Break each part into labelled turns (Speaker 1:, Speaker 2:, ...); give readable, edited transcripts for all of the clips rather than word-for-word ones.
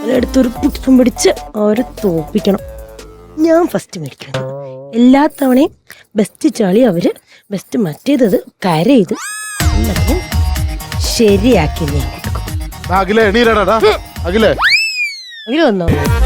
Speaker 1: എടുത്തൊരു പുഷ്പം പിടിച്ച് അവരെ തോപ്പിക്കണം. ഞാൻ ഫസ്റ്റ് മേടിക്കുന്നത്. എല്ലാ തവണയും ബെസ്റ്റ് ചാളി അവര്, ബെസ്റ്റ് മറ്റേത് കരയത് എല്ലാത്തിനും ശരിയാക്കി ഞാൻ കൊടുക്കും.
Speaker 2: അഖിലേ എണീരടാ. അഖിലേ
Speaker 1: അങ്ങനെ വന്നോ?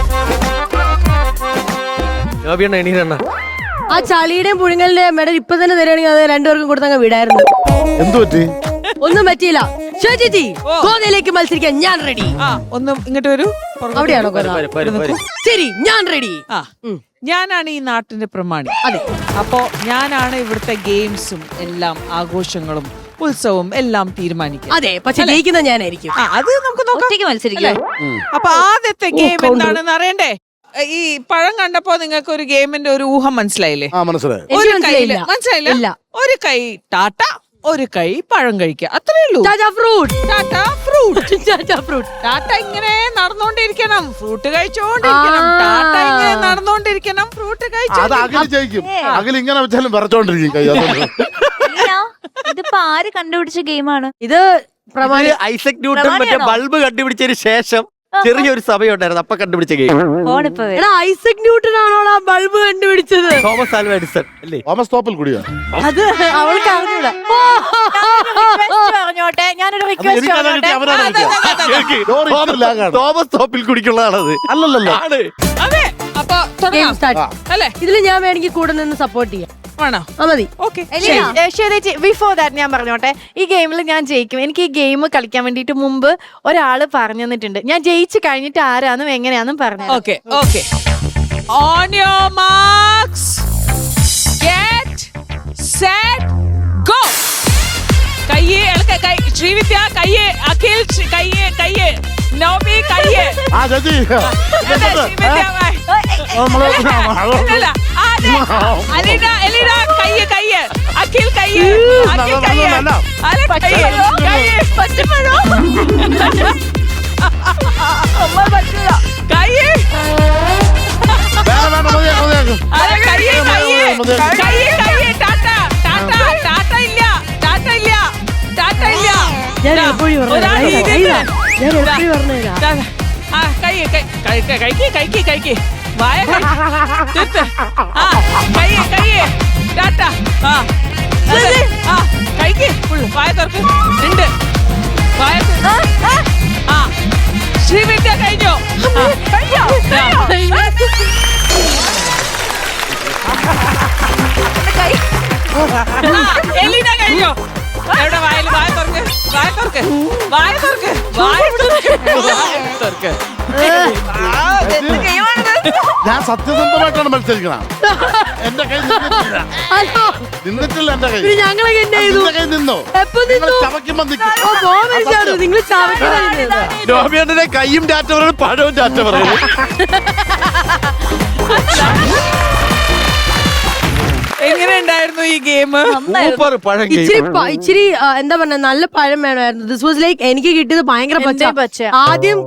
Speaker 3: എണീരണ
Speaker 1: ആ ചളിയുടെയും പുഴുങ്ങലിന്റെയും മെഡൽ ഇപ്പൊ തന്നെ തരുവാണെങ്കിൽ അത് രണ്ടുപേർക്കും കൊടുത്തങ്ങ് വിടായിരുന്നു.
Speaker 2: എന്തു പറ്റി?
Speaker 1: ഒന്നും പറ്റിയില്ല. ചേച്ചി ഗോതയിലേക്ക് മത്സരിക്കാൻ ഞാൻ റെഡി.
Speaker 4: ഒന്നും ഇങ്ങോട്ട് വരൂ.
Speaker 1: അവിടെയാണോ ശരി, ഞാൻ റെഡി.
Speaker 4: ഞാനാണ് ഈ നാട്ടിന്റെ പ്രമാണി.
Speaker 1: അതെ,
Speaker 4: അപ്പോ ഞാനാണ് ഇവിടുത്തെ ഗെയിംസും എല്ലാം ആഘോഷങ്ങളും ഉത്സവവും എല്ലാം തീരുമാനിക്കുക.
Speaker 1: അതെ, പക്ഷെ ജയിക്കുന്ന ഞാനായിരിക്കും.
Speaker 4: അത് നമുക്ക് നോക്കാം.
Speaker 1: മത്സരിക്കാം.
Speaker 4: അപ്പൊ ആദ്യത്തെ ഗെയിം എന്താണെന്ന് അറിയണ്ടേ? ഈ പഴം കണ്ടപ്പോ നിങ്ങൾക്ക് ഒരു ഗെയിമിന്റെ ഒരു ഊഹം മനസ്സിലായില്ലേ?
Speaker 2: മനസ്സിലായി.
Speaker 4: ഒരു കൈയില് മനസ്സിലായില്ല. ഒരു കൈ ടാറ്റ, ഒരു കൈ പഴം കഴിക്കുക, അത്രേ ഉള്ളൂ. ടാറ്റ ഇങ്ങനെ നടന്നുകൊണ്ടിരിക്കണം, ഫ്രൂട്ട് കഴിച്ചോണ്ടിരിക്കണം. ടാറ്റ ഇങ്ങനെ നടന്നുകൊണ്ടിരിക്കണം, ഫ്രൂട്ട്
Speaker 2: അത് അഖിൽ ജയിക്കും. അഖിൽ ഇങ്ങനെ വെച്ചാലും വിറച്ചോണ്ടിരിക്കും കൈ.
Speaker 5: ഇതിപ്പോ ആര് കണ്ടുപിടിച്ച ഗെയിമാണ്
Speaker 1: ഇത്?
Speaker 3: ഐസക് ന്യൂട്ടൺ മറ്റേ ബൾബ് കണ്ടുപിടിച്ചതിന് ശേഷം ചെറിയൊരു സമയം ഉണ്ടായിരുന്നു, അപ്പൊ കണ്ടുപിടിച്ച ഗെയിം.
Speaker 1: ഐസക് ന്യൂട്ടൺ ആണോ ബൾബ് കണ്ടുപിടിച്ചത്?
Speaker 3: തോമസ് ആൽവ എഡിസൺ അല്ലേ?
Speaker 2: തോമസ് തോപ്പിൽ കൂടിയാ.
Speaker 1: അത് അവൾക്ക് അറിഞ്ഞൂടാ.
Speaker 5: പറഞ്ഞോട്ടെ, ഞാനൊരു റിക്വസ്റ്റ് പറഞ്ഞോട്ടെ.
Speaker 3: തോമസ് തോപ്പിൽ കുടിക്കുള്ളതാണത്.
Speaker 2: അല്ലല്ലോ.
Speaker 4: അതെ. അപ്പൊ അല്ലേ?
Speaker 1: ഇതില് ഞാൻ വേണമെങ്കിൽ കൂടെ നിന്ന് സപ്പോർട്ട് ചെയ്യാം.
Speaker 4: ആണോ?
Speaker 1: മതി.
Speaker 5: ബിഫോർ ദാറ്റ് ഞാൻ പറഞ്ഞോട്ടെ, ഈ ഗെയിമിൽ ഞാൻ ജയിക്കും. എനിക്ക് ഈ ഗെയിം കളിക്കാൻ വേണ്ടിട്ട് മുമ്പ് ഒരാള് പറഞ്ഞു തന്നിട്ടുണ്ട്. ഞാൻ ജയിച്ചു കഴിഞ്ഞിട്ട് ആരാന്നും എങ്ങനെയാന്നും പറഞ്ഞു.
Speaker 4: Okay okay. On your marks, get set, go. കയ്യേ കൈ, ശ്രീവിദ്യ കയ്യേ, അഖിൽ കയ്യേ, നവമി കയ്യേ. എലിന കയ്യേ, അഖിൽ കയ്യേ, വായ തീർത്ത്. കൈക്ക് ഫുള്ള് വായ തുറക്ക്. ഉണ്ട് വായ. ശ്രീവിദ്യ കഴിഞ്ഞോ? എലീന കഴിഞ്ഞോ? എവിടെ വായല്? വായ തുറക്ക്, വായ തുറക്ക്, വായ തുറക്ക്, വായ തുറക്ക്.
Speaker 2: ഞാൻ സത്യസന്ധമായിട്ടാണ് മത്സരിക്കണം. എന്റെ കൈ നിന്നിട്ടില്ല. എന്റെ കൈ
Speaker 1: ഞങ്ങളൊക്കെ
Speaker 2: കൈ നിന്നോ? ചവയ്ക്കുമ്പോ
Speaker 1: നിങ്ങൾ
Speaker 3: നോബിയുടെ കൈയും ടാറ്റ പറയും, പഴവും ടാറ്റ പറയും.
Speaker 4: എങ്ങനെ ഉണ്ടായിരുന്നു ഈ ഗെയിം?
Speaker 3: സൂപ്പർ പഴം.
Speaker 1: ഇച്ചിരി എന്താ പറഞ്ഞ, നല്ല പഴം വേണമായിരുന്നു. ദിസ് വാസ് ലൈക്ക് എനിക്ക് കിട്ടിയത് ഭയങ്കര പച്ച. ആദ്യം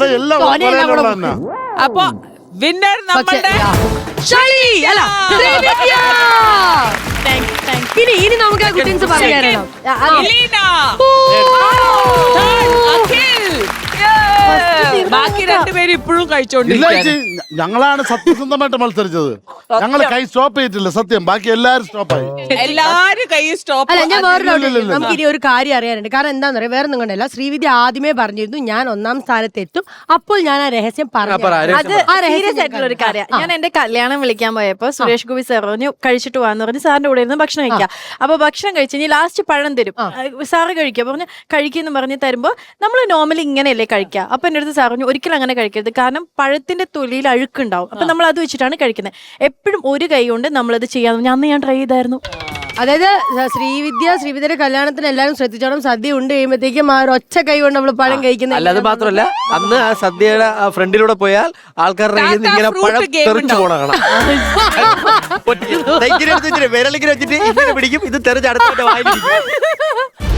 Speaker 4: അപ്പൊ വിന്നർ നമ്മളുടെ
Speaker 1: ഇനി നമുക്ക് കുട്ടീസ് പറഞ്ഞു തരണം.
Speaker 4: ബാക്കി രണ്ടുപേരും ഇപ്പോഴും കഴിച്ചോണ്ടിരിക്കും.
Speaker 2: ഞങ്ങളാണ് സത്യസന്ധമായിട്ട് മത്സരിച്ചത്. ഞങ്ങൾ കൈ സ്റ്റോപ്പ് ചെയ്തിട്ടില്ല, സത്യം. ബാക്കി എല്ലാരും സ്റ്റോപ്പായി.
Speaker 4: എല്ലാരും കൈ സ്റ്റോപ്പ്.
Speaker 1: അല്ല, ഞാൻ നമുക്ക് ഇനി ഒരു കാര്യം അറിയാനുണ്ട്. കാരണം എന്താന്ന് പറയാ, വേറെ ഒന്നും കണ്ടല്ല. ശ്രീവിദ്യ ആദ്യമേ പറഞ്ഞിരുന്നു ഞാൻ 1ാം സ്ഥാനത്ത് എത്തും. അപ്പോൾ ഞാൻ ആ രഹസ്യം പറഞ്ഞു.
Speaker 5: ഒരു കാര്യം, ഞാൻ എന്റെ കല്യാണം വിളിക്കാൻ പോയപ്പോ സുരേഷ് ഗോപി സാർ പറഞ്ഞു കഴിച്ചിട്ട് പോവാന്ന് പറഞ്ഞ് സാറിന്റെ കൂടെ ഇരുന്ന് ഭക്ഷണം കഴിക്കാം. അപ്പൊ ഭക്ഷണം കഴിച്ച് ഇനി ലാസ്റ്റ് പഴം തരും, സാറ് കഴിക്കുക പറഞ്ഞു. കഴിക്കുന്നു പറഞ്ഞ് തരുമ്പോ നമ്മൾ നോർമലി ഇങ്ങനെയല്ലേ കഴിക്കുക. അപ്പൊ എന്റെ അടുത്ത് സാർ പറഞ്ഞു ഒരിക്കലും അങ്ങനെ കഴിക്കരുത്, കാരണം പഴത്തിന്റെ തൊലിയിൽ അഴുക്കുണ്ടാവും. അപ്പൊ നമ്മൾ അത് വെച്ചിട്ടാണ് കഴിക്കുന്നത്. എപ്പോഴും ഒരു കൈ കൊണ്ട് നമ്മളത് ചെയ്യാന്ന് അന്ന് ഞാൻ ട്രൈ ചെയ്തായിരുന്നു.
Speaker 1: അതായത് ശ്രീവിദ്യയുടെ കല്യാണത്തിന് എല്ലാവരും ശ്രദ്ധിച്ചോണം. സദ്യ ഉണ്ട് കഴിയുമ്പോഴത്തേക്കും ആ ഒറ്റ കൈ കൊണ്ട് നമ്മൾ പഴം കഴിക്കുന്നത്.
Speaker 3: അല്ല, അത് മാത്രമല്ല, അന്ന് ആ സദ്യയുടെ ഫ്രണ്ടിലൂടെ പോയാൽ ആൾക്കാരുടെ ഇങ്ങനെ പഴം തെറിച്ചു പോണ കാണാം. വിരലിങ്ങനെ വെച്ചിട്ട് ഇങ്ങനെ പിടിക്കും, ഇത് തെറിച്ച് അടുത്ത വായിലിരിക്കും.